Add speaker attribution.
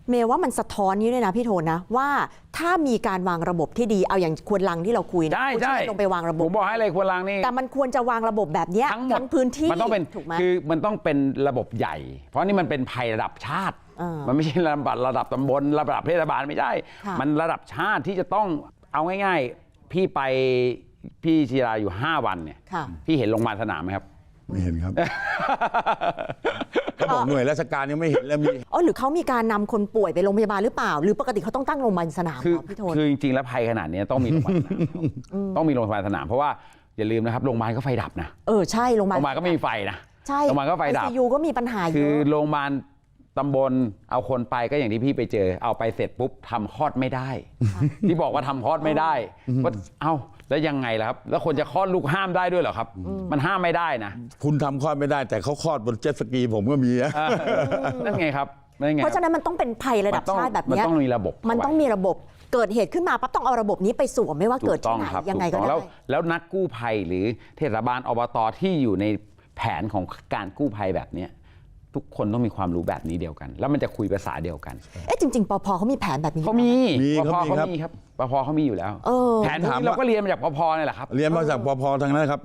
Speaker 1: เมย์ว่ามันสะท้อนนี้ด้วยนะพี่โทนนะว่าถ้ามีการวางระบบที่ดีเอาอย่างควนลังที่เราคุยนะ
Speaker 2: ใช่
Speaker 1: ลงไปวางระบบ
Speaker 2: ผมบอกให้เลยควนลังนี่
Speaker 1: แต่มันควรจะวางระบบแบบนี้ทั้งพื้นที่
Speaker 2: มันต้องเป็น
Speaker 1: ถูกไหม
Speaker 2: คือมันต้องเป็นระบบใหญ่เพราะนี่มันเป็นภัยระดับชาติมันไม่ใช่ระดับตำบลระดับเทศบาลไม่ใช่มันระดับชาติที่จะต้องเอาง่ายๆพี่ไปพี่ชีราอยู่5 วันเนี่ยพี่เห็นโรงพยาบาลสนามไหมครับ
Speaker 3: ไม่เห็นครับเขาบอกหน่วยราชการยังไม่เห็นแล้วมี
Speaker 1: หรือเขามีการนำคนป่วยไปโรงพยาบาลหรือเปล่าหรือปกติเขาต้องตั้งโรงพยาบาลสนามพี่โทน
Speaker 2: คือจริงๆแล้วภัยขนาดนี้ต้องมีโรงพยาบาลสนามต้องมีโรงพยาบาลสนามเพราะว่าอย่าลืมนะครับโรงพยาบาลก็ไฟดับนะ
Speaker 1: ใช่โรงพยาบาล
Speaker 2: ก็ไม่มีไฟนะ
Speaker 1: ใช่
Speaker 2: โรงพยาบาลก็ไฟดับ
Speaker 1: ICU ก็มีปัญหาเยอะ
Speaker 2: คือโรงพยาบาลตำบลเอาคนไปก็อย่างที่พี่ไปเจอเอาไปเสร็จปุ๊บทำคลอดไม่ได้ที่บอกว่าทำคลอดไม่ได้ว่าแล้วยังไงล่ะครับแล้วคนจะคลอดลูกห้ามได้ด้วยเหรอครับมันห้ามไม่ได้นะ
Speaker 3: คุณทำคลอดไม่ได้แต่เขาคลอดบนเจ็ตสกีผมก็มี
Speaker 2: นั่นไงครับ
Speaker 1: เพราะฉะนั้นมันต้องเป็นภัยระดับชาติแบบนี้
Speaker 2: มันต้องมีระบบ
Speaker 1: มันต้องมีระบบเกิดเหตุขึ้นมาปั๊บต้องเอาระบบนี้ไปสวมไม่ว่าเกิดที่ไหนยังไงก็ได้
Speaker 2: แล้วนักกู้ภัยหรือเทศบาลอบตที่อยู่ในแผนของการกู้ภัยแบบนี้ทุกคนต้องมีความรู้แบบนี้เดียวกันแล้วมันจะคุยภาษาเดียวกัน
Speaker 1: จริงๆปภเขามีแผนแบบนี้
Speaker 2: เขามีปภเขามีครับปภเขามีอยู่แล้วแผนที่เราก็เรียนมาจากปภนี่แหละครับ
Speaker 3: เรียนมาจากปภทางนั้นครับ